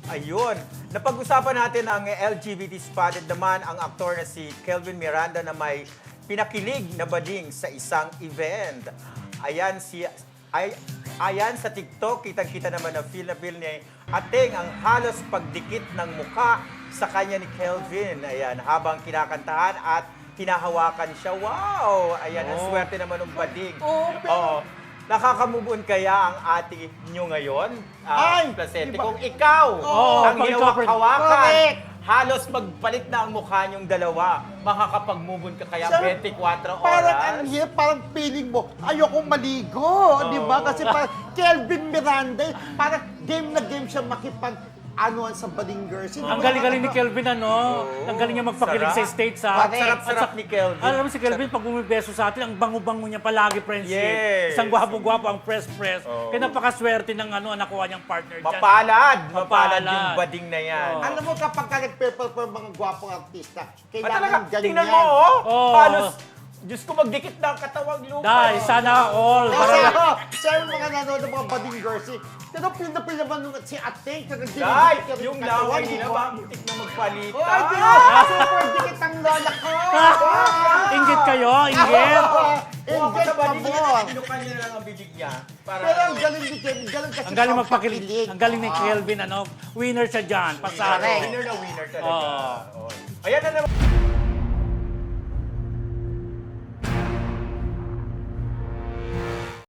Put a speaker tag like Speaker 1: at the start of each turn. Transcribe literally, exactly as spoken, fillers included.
Speaker 1: Ayun. Napag-usapan natin ang L G B T spotted naman ang aktor na si Kelvin Miranda na may pinakilig na bading sa isang event. Ayan si ay, ayan sa TikTok, kitang-kita naman na feel na feel ni Ateng ang halos pagdikit ng mukha sa kanya ni Kelvin. Ayan, habang kinakantahan at hinahawakan siya. Wow! Ayan, ang
Speaker 2: Oh.
Speaker 1: swerte naman ng bading.
Speaker 3: Oo, pero-
Speaker 1: Oo. Nakaka-move on kaya ang ate nyo ngayon? Ah,
Speaker 3: Ay,
Speaker 1: Placente,
Speaker 3: diba?
Speaker 1: kung ikaw
Speaker 2: Oo,
Speaker 1: ang
Speaker 2: pag ikaw,
Speaker 1: hinawak-hawakan,
Speaker 3: correct.
Speaker 1: halos magpalit na ang mukha nyong dalawa, makakapag-move on ka kaya
Speaker 3: Sir,
Speaker 1: twenty-four oras?
Speaker 3: Parang ang hirap, parang feeling mo, ayokong maligo, di ba? Kasi parang Kelvin Miranda, parang game na game siya makipag anuan sa bading girls. Hindi
Speaker 2: Ang
Speaker 3: mo
Speaker 2: galing-galing ni
Speaker 3: nakaka-
Speaker 2: Kelvin, ano? Ang galing niya magpakilig
Speaker 1: Sarap.
Speaker 2: sa stage, ha?
Speaker 3: Correct.
Speaker 1: Sarap-sarap ni Kelvin.
Speaker 2: Alam mo si Kelvin, pag bumibeso sa atin, ang bango-bango niya palagi, friendship.
Speaker 1: Yes.
Speaker 2: Isang gwapo-gwapo, ang press-press.
Speaker 1: Oo.
Speaker 2: Kaya napakaswerte ng ano, nakuha niyang partner dyan.
Speaker 1: Mapalad! Mapalad
Speaker 2: Mapalad.
Speaker 1: yung bading na yan.
Speaker 2: Oo.
Speaker 3: Alam mo, kapag ka nag-perform mga gwapong artista,
Speaker 1: At
Speaker 3: kailangan
Speaker 1: talaga,
Speaker 3: ganyan.
Speaker 1: tingnan mo, oh!
Speaker 2: Oo.
Speaker 1: Halos, Diyos ko, magdikit na ang katawang lupa.
Speaker 2: Dahil, sana all.
Speaker 3: Kasi
Speaker 2: Parang,
Speaker 3: ako, siya yung mga nanonood ng mga bading girls, eh. Pero pinapil naman nung si Ateng, kaya
Speaker 1: Dahil, yung laway nila ba, muntik na magpalita.
Speaker 3: Oh, ay, di ba? Super dikit ang lola ko!
Speaker 2: inggit kayo, inggit.
Speaker 1: Kung ako
Speaker 3: Inggit
Speaker 1: sa
Speaker 3: pa
Speaker 1: bading
Speaker 3: mo!
Speaker 1: niya, pinukan niya na lang ang bibig niya. Para,
Speaker 3: Pero ang galing ni Kevin, galing kasi
Speaker 2: Ang galing
Speaker 3: sa
Speaker 2: magpakilig.
Speaker 3: pakilig.
Speaker 2: Ang galing ni
Speaker 3: Ah.
Speaker 2: Kelvin, ano? Winner siya dyan. Pasado.
Speaker 3: Correct.
Speaker 1: winner na winner talaga.
Speaker 2: Oo.
Speaker 1: Oo. Ayan na naman.